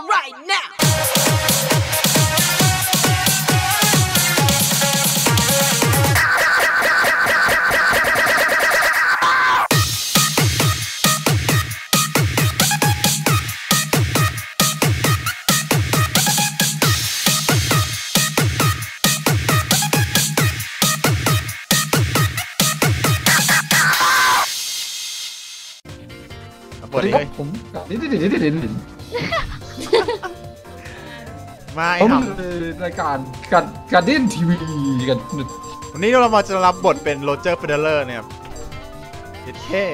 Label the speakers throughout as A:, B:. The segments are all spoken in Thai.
A: them right now.
B: สวัสดีครับผมมาไอ้ทำรายการการเด่นทีวีกันวันนี้เรามาจะรับบทเป็นโรเจอร์เฟเดเลอร์เนี่ยครับเด็ดแค่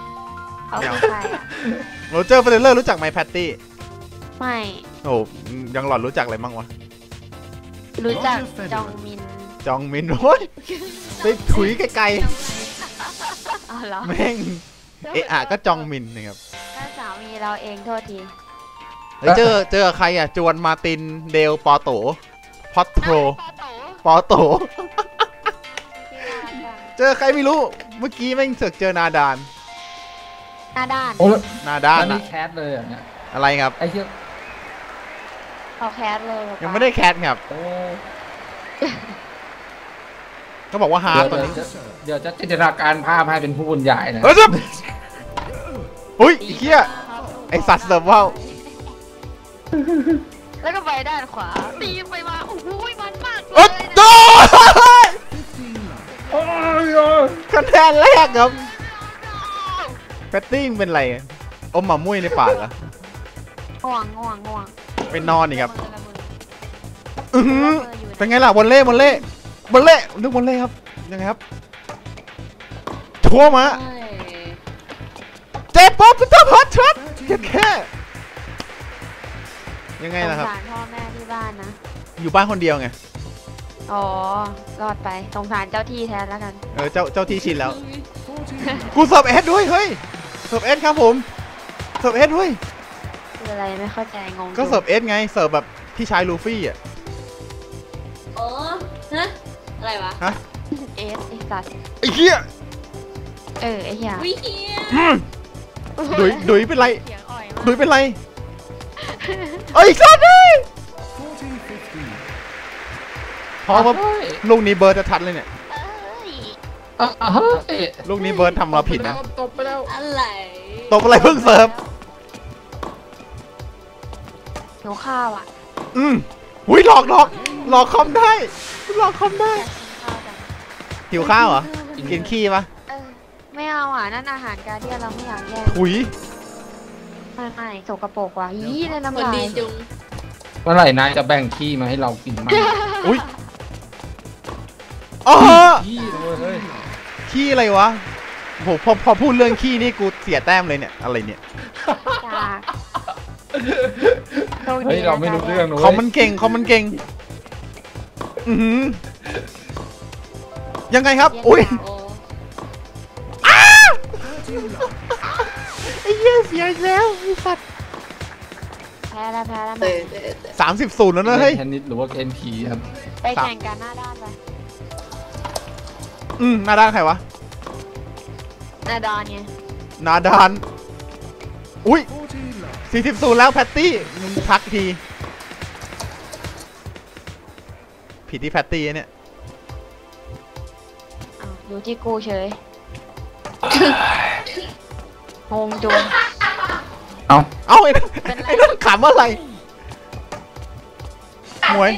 B: โรเจอร์เฟเดเลอร์รู้จักไหมแพตตี้
C: ไม่
B: โอ้ยังหลอดรู้จักอะไรมั่งวะ
C: รู้จักจองมิน
B: โอ้ยไปถุยไกลๆแม่งเอะก็จองมินนะครับ
C: ก็สามีเราเองโทษที
B: เจอใครอ่ะจวนมาตินเดลปอโตพอตโตเจอใครไม่รู้เมื่อกี้แม่งเสือกเจอนาดาน
D: นี่แคสเลยอ่ะเนี่ย
B: อะไรครับ
D: ไอ้เหี้ย
C: เขาแคสเลย
B: ยังไม่ได้แคสครับก็บอกว่าฮาร์ดตัวนี้
D: เดี๋ยวจะจินตนาการภาพให้เป็นผู้บรรยายนะ
B: อุ้ยไอ้เหี้ยไอ้สัตว์เสิร์ฟว่าว
C: แล้วก็ไปด้านขวาตีไปมาโอ้โหมันมาก
B: เลยโดนคะแนนแรกครับแพตตี้เป็นไรอมหมามุ้ยในปากเหรอ
C: ง่วง
B: ไปนอนนี่ครับเป็นไงล่ะวอลเล่นึกวอลเล่ครับยังไงครับชัวร์มาเจ็บป๊อปจะพอดช็อตแค่ยังไงล่ะครับ
C: สงสารพ่อแม่ที่บ้านนะ
B: อยู่บ้านคนเดียวไง
C: อ๋อรอดไปสงสารเจ้าที่แทนแล้วกัน
B: เจ้าที่ชินแล้วกูเสิร์ฟเอสด้วยเฮ้ยเสิร์ฟเอสครับผมเสิร์ฟเอสด้วย
C: คืออะไรไม่เข้าใจงง
B: ก็เสิร์ฟเอสไงเสิร์ฟแบบพี่ชายลูฟี่อ่ะ
C: อ๋อฮะอะไรวะ
B: ฮะ
C: เอสไอ้สัตว์
B: ไอ้เหี้ย
C: ไอ้เหี้ย
B: ดุยเป็นไรไอ้สัตว์เลยพอครับลูกนี้เบิร์ดจะทัดเลยเนี่ยลูกนี้เบิร์ดทำเราผิดนะ
D: ตบไปแล้ว
B: อะไรเพิ่งเสิร์ฟ
C: หิวข้าวอ่ะ
B: หุ้ยหลอกคอมได้หิวข้าวเหรอกินขี้ปะ
C: ไม่เอาอ่ะนั่นอาหารการเดียนเราไม่อยากแย่ง
B: ถุย
C: ไม่สกปรกว่ะยี่ในน้ำลาย
D: เมื่อไหร่นายจะแบ่งขี้มาให้เรากินมั้ง
B: อุ้ยขี้อะไรวะโหพอพูดเรื่องขี้นี่กูเสียแต้มเลยเนี่ยอะไรเนี่ย
D: เฮ้ยเราไม่รู้เรื่อง
B: คอมมันเก่งยังไงครับอุ้ยไอ้เหี้ยเสียแล้วไอ้สัตว์
C: แพ้แล้ว
B: 30-0แล้วนะเฮ้ย
D: เทนนิสหรือว่าเอ็นพีครับ
C: ไปแข่งกันหน้าด้านไป
B: หน้าด้านใครวะ
C: นาดานไง
B: นาดานอุ้ย40-0แล้วแพตตี้มึงพักทีผิดที่แพตตี้เนี่ย
C: อยู่ที่กูเฉยงงจุง
B: เอาไอ้นั่นขำอะไรหมวย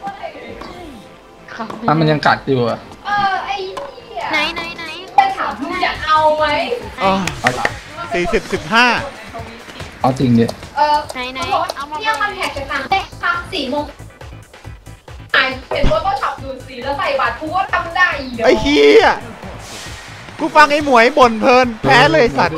D: มันยังกัดอยู่อะ
C: ไอ้ไหน
A: ไปถามมึงจะเอาไหม
B: 40-15
D: เอาจริงดิ
C: ไหน
A: เอามาเนี่ยมันแหกจากทำ4 โมงเห็นว่าต้องฉับดูดสีแล้วใส่บาตรกูก็ทำได้
B: ไอ้เหี้ยกูฟังไอ้หมวยบ่นเพลินแพ้เลยสัตว์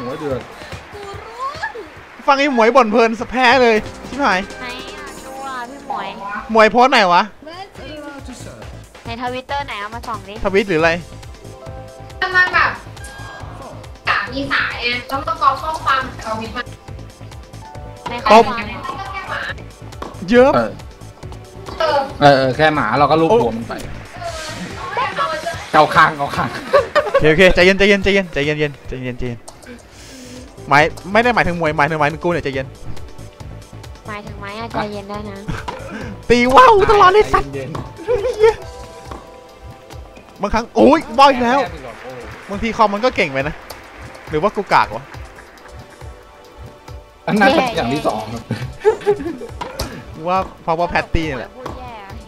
B: ฟังไอ้หมวยบ่นเพลินแพ้เลยชิบหาย
C: ไหนดูพี่
B: หมวยโพสไหนวะ
C: ในทวิตเตอร์ไหนเอามาส่องดิ
B: ทวิตหรืออะไร
A: มันแบบมีสายแล้วก็กรอกข้อความทวิตมา
C: ในข้อความ
B: เยอะ
D: แค่หมาเราก็ลูบหัวมันไปเกาคางโ
B: อเคใจเย็นหมายไม่ได้หมายถึงมวยหมายถึงกูเนี่ยใจเย็น
C: หมายถึงไม้อะใจเย็นได้นะ
B: ตีว่าวตลอดเลยสัตว์
E: เย็น
B: บางครั้งโอ้ยว่าวอีกแล้ว
E: แค่ไปก่อนโอ้
B: บางทีคอมมันก็เก่งไปนะ หรือว่ากูกากวะ
E: อันนั้นเป็นอย่างที่สองครับ
B: ว่าเพราะว่าแพตตี้นี่แหละ
C: พูดแย่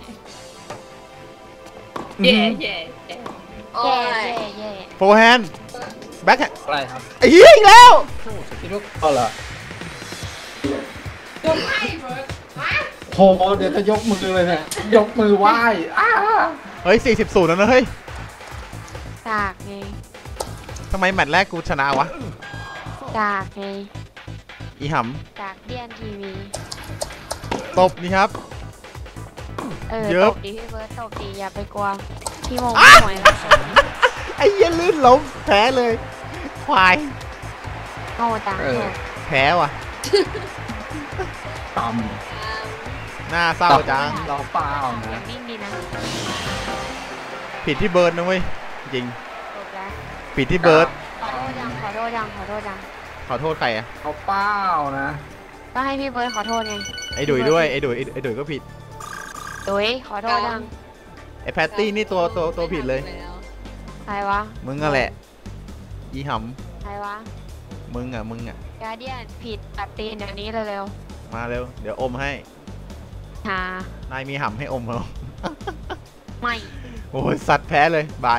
D: แย่แย่แย่โอ้
C: แย่
D: ย
C: แย่
B: โฟร์แฮนด์แบ็คแฮนด์
E: อะไรครับ
B: ไอ้เหี้ยอีกแล้ว
E: คิดว่าก็เหรอ
A: ยกให้เบิร์ดมา
E: โหเดี๋ยวจะยกมือเลยเนี่ยยกมือไหว้อ้า
B: เฮ้ย40-0แล้วนะเฮ้ย
C: จากไง
B: ทำไมแมตช์แรกกูชนะวะ
C: จากไง
B: อีห
C: จากเดียนทีวี
B: ำตบนี่ครับ เย
C: ต
B: อะ
C: บดีพี่เบิร์ดตบดีอย่าไปกลัวพี่โมงพี่หวยนะ
B: ไอ้เหี้ยลื่นล้มแพ้เลยควาย
C: โง่จัง
B: แพ้ว่ะ
E: ต่
B: หน้า
E: ำ
B: เศร้าจัง
E: เราเปล่านะ
C: วิ่งดีนะ
B: ผิดที่เบิร์ดนะเว้ยจริง
C: จบแล้ว
B: ผิดที่เบิร์ด
C: ขอโทษยังขอโทษยังขอโทษยัง
B: ขอโทษใครอะ
E: เราเปล่านะ
C: ก็ให้พี่เบิร์ดขอโทษไง
B: ไอ้ดุยด้วยไอ้ดุยก็ผิด
C: ดุยขอโทษยัง
B: ไอ้แพตตี้นี่ตัวผิดเลย
C: ใครวะ
B: มึงอะแหละอีห
C: ใครวะ
B: ำมึงอะ
C: การเดียนผิดตัดตีนอย่างนี้เร็ว
B: มาเร็วเดี๋ยวอมให้
C: ๆหาน
B: ายมีหำให้อมเหรอ
C: ไม่
B: โอ้ยสัตว์แพ้เลยบาย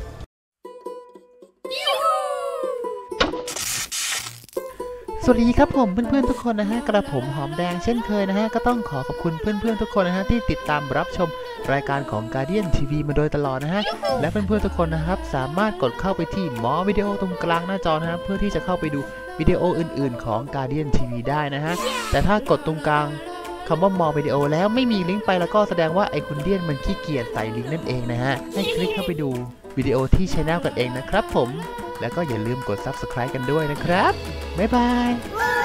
B: สวัสดีครับผมเพื่อนๆทุกคนนะฮะกระผมหอมแดงเช่นเคยนะฮะก็ต้องขอขอบคุณเพื่อนๆทุกคนนะฮะที่ติดตามรับชมรายการของ Guardian TV มาโดยตลอดนะฮะและเพื่อนๆทุกคนนะครับสามารถกดเข้าไปที่หมอวิดีโอตรงกลางหน้าจอนะฮะเพื่อที่จะเข้าไปดูวิดีโออื่นๆของ Guardian TV ได้นะฮะแต่ถ้ากดตรงกลางคำว่ามอวิดีโอแล้วไม่มีลิงก์ไปแล้วก็แสดงว่าไอคุณเดียนมันขี้เกียจใส่ลิงก์นั่นเองนะฮะให้คลิกเข้าไปดูวิดีโอที่ช anel กันเองนะครับผมแล้วก็อย่าลืมกด Subscribe กันด้วยนะครับบ๊ายบาย